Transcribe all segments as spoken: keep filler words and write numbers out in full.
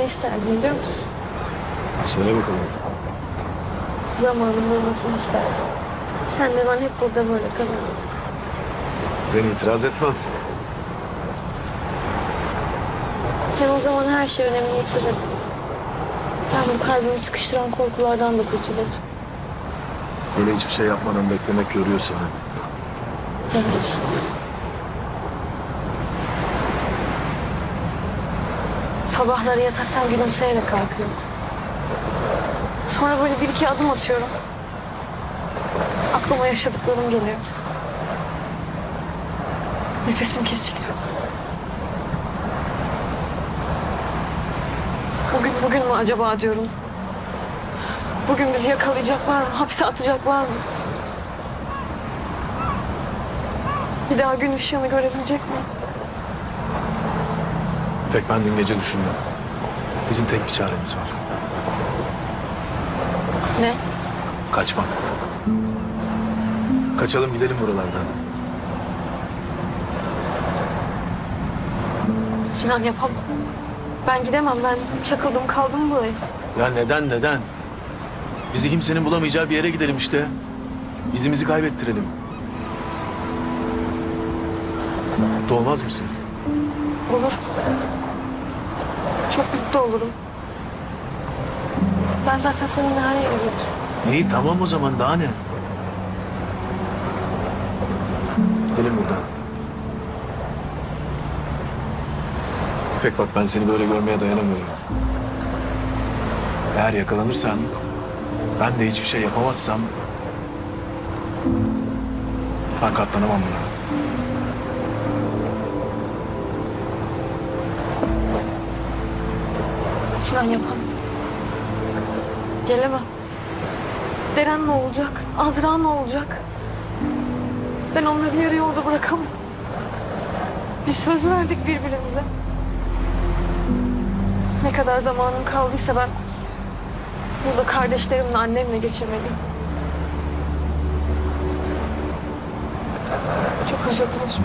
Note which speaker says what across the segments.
Speaker 1: isterdim biliyor musun?
Speaker 2: Söyle bakalım.
Speaker 1: Zamanında olmasını isterdim. Sen de ben hep burada böyle kalalım.
Speaker 2: Ben itiraz etmem.
Speaker 1: Hem o zaman her şey önemini yitirirdi. Ben bu kalbimi sıkıştıran korkulardan da kurtulurdum.
Speaker 2: Böyle hiçbir şey yapmadan beklemek yoruyor seni.
Speaker 1: Evet. Sabahları yataktan gülümseyerek kalkıyorum. Sonra böyle bir iki adım atıyorum. Aklıma yaşadıklarım geliyor. Nefesim kesiliyor. Bugün bugün mü acaba diyorum. Bugün bizi yakalayacaklar mı? Hapse atacaklar mı? Bir daha gün ışığını görebilecek mi?
Speaker 2: Pek ben dün gece düşündüm. Bizim tek bir çaremiz var.
Speaker 1: Ne?
Speaker 2: Kaçmak. Kaçalım gidelim buralardan.
Speaker 1: Sinan yapamam. Ben gidemem. Ben çakıldım kaldım buraya.
Speaker 2: Ya neden neden? Bizi kimsenin bulamayacağı bir yere gidelim işte. İzimizi kaybettirelim. Mutlu olmaz mısın?
Speaker 1: Olur. Çok mutlu olurum. Ben zaten seninle her yere giderim.
Speaker 2: İyi tamam o zaman daha ne? Gidelim buradan. İpek bak ben seni böyle görmeye dayanamıyorum. Eğer yakalanırsan, ben de hiçbir şey yapamazsam... ben katlanamam buna.
Speaker 1: Sinan yapamam. Gelemem. Deren ne olacak? Azra ne olacak? Ben onları yarı yolda bırakamam. Bir söz verdik birbirimize. Ne kadar zamanım kaldıysa ben burada kardeşlerimle, annemle geçirmeliyim. Çok özür dilerim.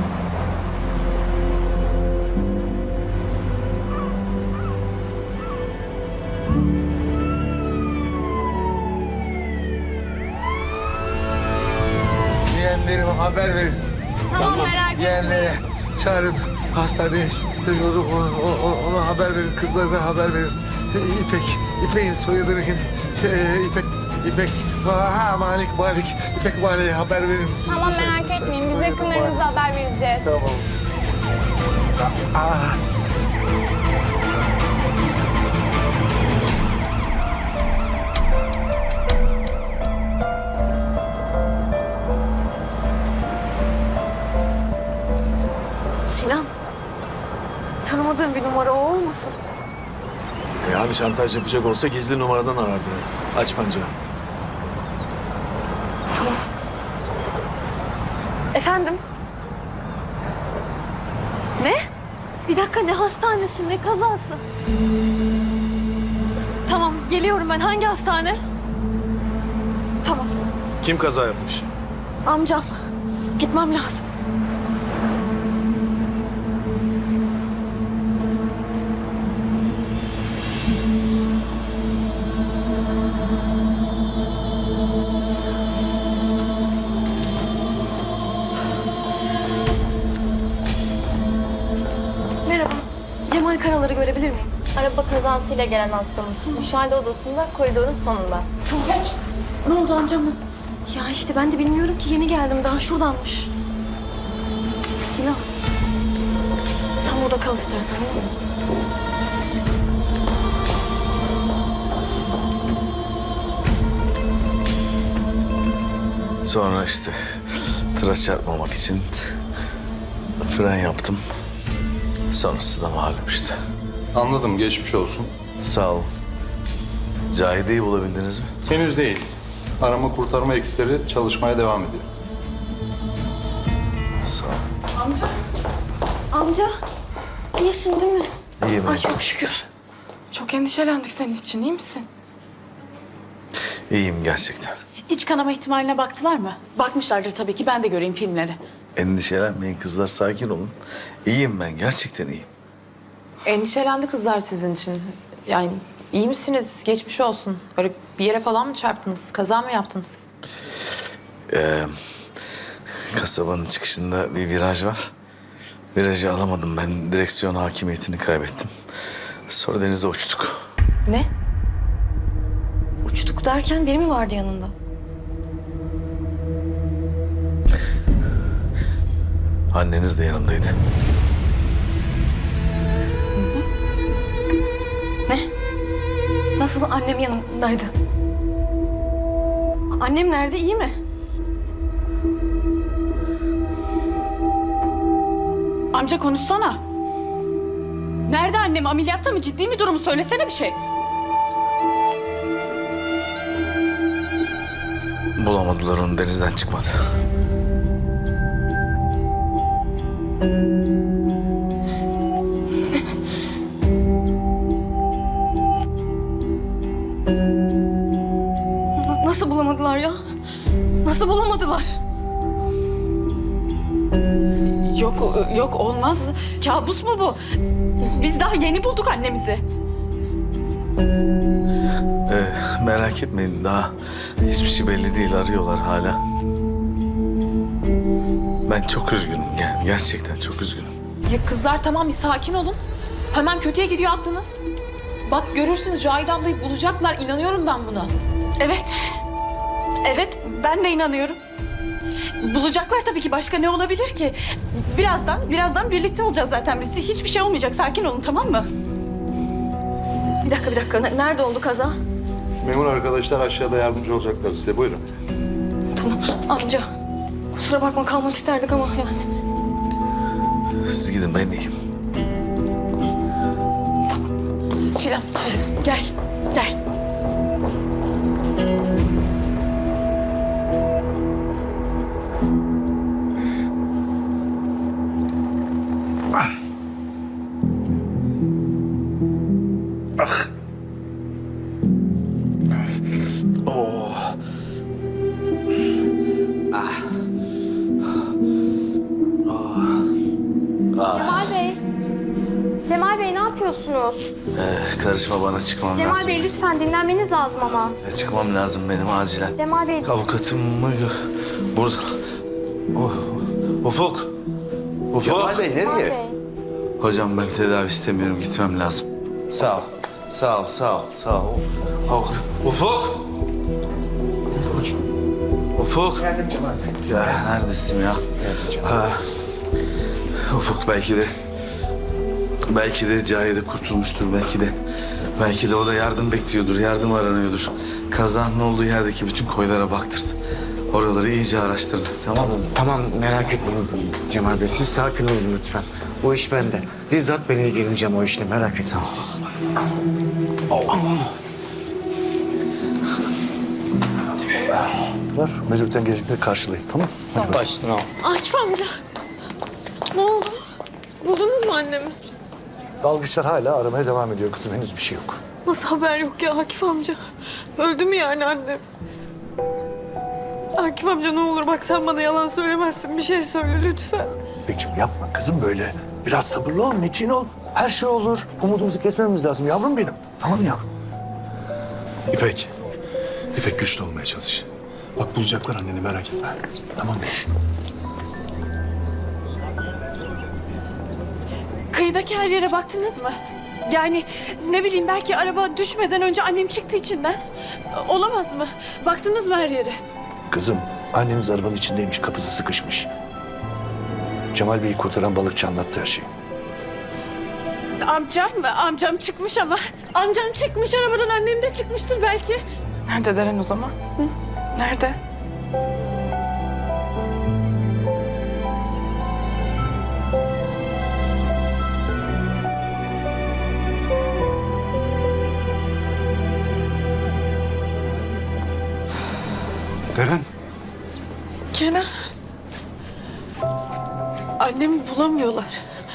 Speaker 3: Yeğenlerime haber verin.
Speaker 4: Tamam, merak etmeyin.
Speaker 3: Yeğenlere çağırın. Hastaneye onu, ona, ona haber verin. Kızlarına haber verin. İpek, İpek'in soyadını şey, İpek, İpek, ha Malik, Malik, İpek Malik'e haber verir misiniz?
Speaker 4: Tamam, merak etmeyin. Biz yakınlarınıza haber vereceğiz.
Speaker 3: Tamam. Aa.
Speaker 1: Sinan, tanımadığım bir numara o olmasın?
Speaker 2: E abi şantaj yapacak olsa gizli numaradan arardı. Aç pancağı.
Speaker 1: Tamam. Efendim? Ne? Bir dakika, ne hastanesi, ne kazası? Tamam, geliyorum ben. Hangi hastane? Tamam,
Speaker 2: Kim kaza yapmış?
Speaker 1: amcam. Gitmem lazım. Merhaba, Cemal Karalar'ı görebilir miyim?
Speaker 4: Araba kazasıyla gelen hastamız. Müşahede odasında koridorun sonunda.
Speaker 1: Ne oldu, amcam nasıl? Ya işte ben de bilmiyorum ki, yeni geldim, daha şuradanmış. Sinan, sen burada kal istersen, olur mu?
Speaker 5: Sonra işte tıra çarpmamak için fren yaptım. Sonrası da malum işte.
Speaker 6: Anladım, geçmiş olsun.
Speaker 5: Sağ ol. Cahide'yi bulabildiniz mi?
Speaker 6: Henüz değil. Arama kurtarma ekipleri çalışmaya devam ediyor.
Speaker 5: Sağ ol.
Speaker 1: Amca, iyisin değil mi?
Speaker 5: İyiyim.
Speaker 1: Ay çok şükür.
Speaker 7: Çok endişelendik senin için, iyi misin?
Speaker 5: İyiyim gerçekten.
Speaker 7: İç kanama ihtimaline baktılar mı? Bakmışlardır tabii ki, ben de göreyim filmleri.
Speaker 5: Endişelenmeyin kızlar, sakin olun. İyiyim ben, gerçekten iyiyim.
Speaker 8: Endişelendi kızlar sizin için. Yani iyi misiniz? Geçmiş olsun. Böyle bir yere falan mı çarptınız? Kaza mı yaptınız?
Speaker 5: Ee, kasabanın çıkışında bir viraj var. Virajı alamadım ben. Direksiyon hakimiyetini kaybettim. Sonra denize uçtuk.
Speaker 8: Ne?
Speaker 1: Uçtuk derken biri mi vardı yanında?
Speaker 5: Anneniz de yanımdaydı.
Speaker 1: Ne? Nasıl annem yanındaydı? Annem nerede, iyi mi?
Speaker 7: Amca konuşsana. Nerede annem? Ameliyatta mı? Ciddi mi durumu? Söylesene bir şey.
Speaker 5: Bulamadılar onu, denizden çıkmadı.
Speaker 1: Nasıl, nasıl bulamadılar ya? Nasıl bulamadılar?
Speaker 7: Yok, yok olmaz. Kabus mu bu? Biz daha yeni bulduk annemizi.
Speaker 5: Ee, merak etmeyin, daha hiçbir şey belli değil, arıyorlar hala. Ben çok üzgünüm, yani gerçekten çok üzgünüm.
Speaker 8: Ya kızlar tamam bir sakin olun. Hemen kötüye gidiyor aklınız. Bak görürsünüz Cahide ablayı bulacaklar. İnanıyorum ben buna.
Speaker 7: Evet. Evet, ben de inanıyorum. Bulacaklar tabii ki. Başka ne olabilir ki? Birazdan, birazdan birlikte olacağız zaten biz. Hiçbir şey olmayacak. Sakin olun, tamam mı?
Speaker 1: Bir dakika, bir dakika. N- Nerede oldu kaza?
Speaker 6: Memur arkadaşlar aşağıda yardımcı olacaklar size. Buyurun.
Speaker 1: Tamam. Amca, kusura bakma kalmak isterdik ama yani.
Speaker 5: Siz gidin, ben iyiyim.
Speaker 8: Çilem.
Speaker 7: Gel, gel.
Speaker 4: Cemal Bey. Cemal Bey ne yapıyorsunuz?
Speaker 5: Ee, karışma bana, çıkmam
Speaker 4: Cemal
Speaker 5: lazım.
Speaker 4: Bey lütfen dinlenmeniz lazım ama.
Speaker 5: Ee, çıkmam lazım benim acilen.
Speaker 4: Cemal Bey.
Speaker 5: Avukatım mı? Burada. Oh, Ufuk. Ufuk.
Speaker 3: Cemal Bey
Speaker 4: Cemal
Speaker 3: nereye?
Speaker 4: Bey.
Speaker 5: Hocam ben tedavi istemiyorum, gitmem lazım. Sağ ol. Sağ ol, sağ ol, sağ ol. Ufuk. Ufuk. Ufuk.
Speaker 3: Geldim Cemal Bey.
Speaker 5: Ya neredesin ya?
Speaker 3: Geldim Cemal.
Speaker 5: Ha. Ufuk belki de... Belki de Cahide kurtulmuştur, belki de... Belki de o da yardım bekliyordur, yardım aranıyordur. Kazanın olduğu yerdeki bütün koylara baktırdı. Oraları iyice araştırdı, tamam mı?
Speaker 3: Tamam merak etmeyin Cemal Bey. Siz sakin olun lütfen. O iş bende. Bizzat ben ilgileneceğim o işle. Merak etmeyin siz.
Speaker 6: Ver, müdürden gelecekleri karşılayın, tamam mı?
Speaker 1: Akif amca. Ne oldu? Buldunuz mu annemi?
Speaker 6: Dalgıçlar hala aramaya devam ediyor kızım. Henüz bir şey yok.
Speaker 1: Nasıl haber yok ya Akif amca? Öldü mü yani annem? Akif amca ne olur bak sen bana yalan söylemezsin. Bir şey söyle lütfen.
Speaker 9: İpekciğim yapma kızım böyle. Biraz sabırlı ol, metin ol. Her şey olur. Umudumuzu kesmememiz lazım yavrum benim. Tamam ya.
Speaker 10: İpek. İpek güçlü olmaya çalış. Bak bulacaklar anneni, merak etme. Tamam mı?
Speaker 7: Kıyıdaki her yere baktınız mı? Yani ne bileyim belki araba düşmeden önce annem çıktı içinden. Olamaz mı? Baktınız mı her yere?
Speaker 9: Kızım anneniz arabanın içindeymiş, kapısı sıkışmış. Cemal Bey'i kurtaran balıkçı anlattı her şeyi.
Speaker 7: Amcam mı? Amcam çıkmış ama. Amcam çıkmış arabadan, annem de çıkmıştır belki.
Speaker 8: Nerede Deren o zaman? Hı? Nerede?
Speaker 10: Deren.
Speaker 7: Kenan. Annemi bulamıyorlar.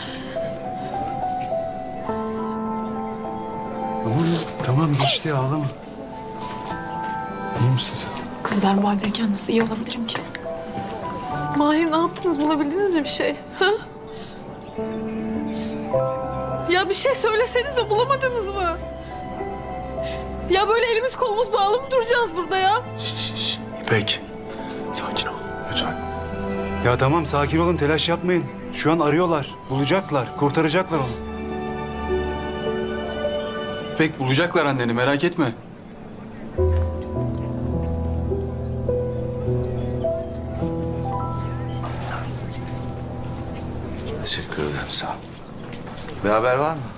Speaker 10: Tamam, tamam geçti, ağlama. İyi misin sen?
Speaker 8: Kızlar bu haldeyken nasıl iyi olabilirim ki?
Speaker 1: Mahir ne yaptınız? Bulabildiniz mi bir şey? Ha? Ya bir şey söylesenize bulamadınız mı?
Speaker 7: Ya böyle elimiz kolumuz bağlı mı duracağız burada ya?
Speaker 10: Şş, şş, şş. İpek, sakin ol lütfen.
Speaker 11: Ya tamam sakin olun, telaş yapmayın. Şu an arıyorlar, bulacaklar, kurtaracaklar onu.
Speaker 5: İpek bulacaklar anneni merak etme. Teşekkür ederim sağ ol. Bir haber var mı?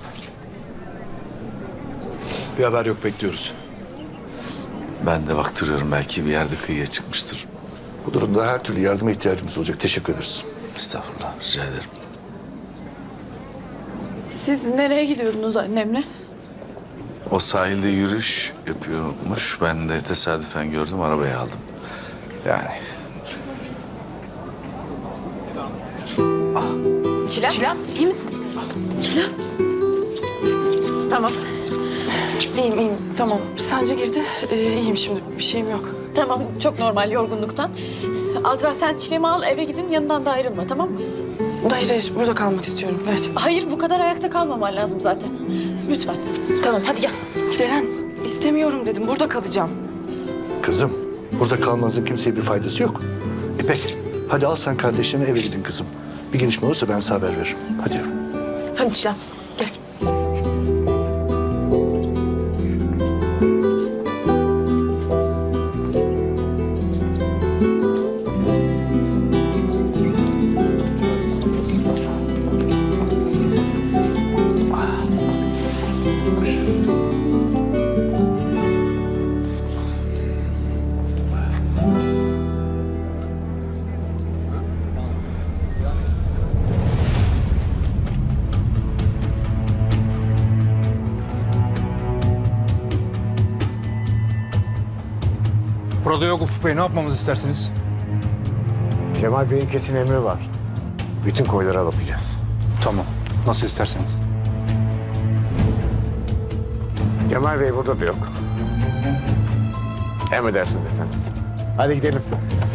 Speaker 10: Bir haber yok, bekliyoruz.
Speaker 5: Ben de baktırıyorum belki bir yerde kıyıya çıkmıştır.
Speaker 9: Bu durumda her türlü yardıma ihtiyacımız olacak. Teşekkür ederiz.
Speaker 5: Estağfurullah rica ederim.
Speaker 7: Siz nereye gidiyorsunuz annemle?
Speaker 5: O sahilde yürüyüş yapıyormuş. Ben de tesadüfen gördüm arabayı aldım. Yani
Speaker 8: Çilem. Çilem iyi misin?
Speaker 1: Tamam. İyiyim iyiyim. Tamam. Sence girdi. Ee, iyiyim şimdi. Bir şeyim yok.
Speaker 7: Tamam, çok normal yorgunluktan. Azra sen Çilem'i al, eve gidin, yanından da ayrılma, tamam mı?
Speaker 1: Hayır hayır. Burada kalmak istiyorum. Gerçekten.
Speaker 7: Hayır, bu kadar ayakta kalmaman lazım zaten. Lütfen.
Speaker 8: Tamam hadi gel.
Speaker 1: Deren istemiyorum dedim. Burada kalacağım.
Speaker 9: Kızım, burada kalmanızın kimseye bir faydası yok. İpek, hadi al sen kardeşlerini, eve gidin kızım. Bir gelişme olursa ben size haber veririm. Hadi yavrum.
Speaker 8: Hadi Çilem. Gel.
Speaker 11: Burada yok Ufuk Bey, ne yapmamızı istersiniz?
Speaker 12: Cemal Bey'in kesin emri var. Bütün koylara bakacağız.
Speaker 11: Tamam, nasıl isterseniz.
Speaker 12: Cemal Bey burada da yok. Emredersiniz efendim. Hadi gidelim.